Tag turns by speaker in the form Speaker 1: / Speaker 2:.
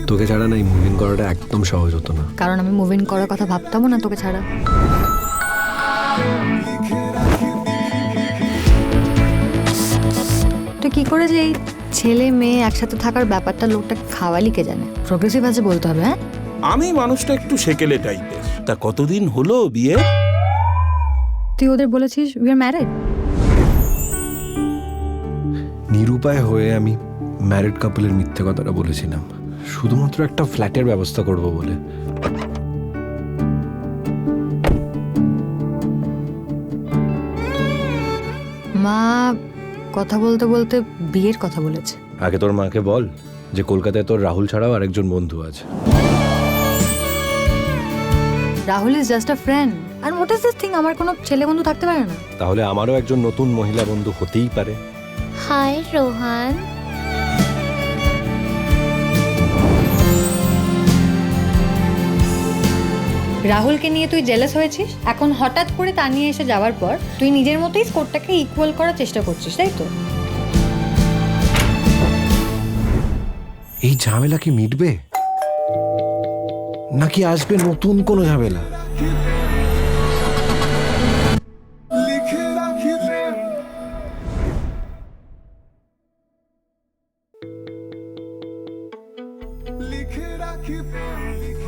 Speaker 1: তোকে ছাড়া না এই মুভিং করাটা একদম সহজ হতো না।
Speaker 2: কারণ আমি মুভিং করার কথা ভাবতামও না তোকে ছাড়া। তুই কি করে যে এই ছেলে মেয়ে একসাথে থাকার ব্যাপারটা লোকটা খাওয়ালি কে জানে? প্রোগ্রেসিভ আছে বলতে হবে। হ্যাঁ,
Speaker 3: আমি মানুষটা একটু সেকেলে টাইপের। তা কতদিন হলো বিয়ে?
Speaker 2: তুই ওদের বলেছিস উই আর ম্যারিড?
Speaker 1: নিরুপায় হয়ে আমি ম্যারিড কাপলের মিথ্যে কথাটা বলেছিলাম, শুধুমাত্র একটা ফ্ল্যাটের ব্যবস্থা করব বলে।
Speaker 2: মা কথা বলতে বলতে বিয়ের কথা বলেছে।
Speaker 1: আগে তোর মাকে বল যে কলকাতায় তোর রাহুল ছাড়াও আরেকজন বন্ধু আছে।
Speaker 2: Rahul is just a friend. আর হোয়াট ইজ দিস থিং? আমার কোনো ছেলে বন্ধু থাকতে পারে না?
Speaker 1: তাহলে আমারও একজন নতুন মহিলা বন্ধু হতেই পারে।
Speaker 4: হাই রোহান।
Speaker 2: রাহুলকে নিয়ে তুই জেলাস হয়েছিস, এখন হঠাৎ করে তা নিয়ে এসে যাওয়ার পর তুই নিজের মতোই স্কোরটাকে ইকুয়াল করার চেষ্টা করছিস, তাই তো?
Speaker 1: এই ঝামেলা কি মিটবে, নাকি আসবে নতুন কোনো ঝামেলা?
Speaker 5: लिख राखी प्रेम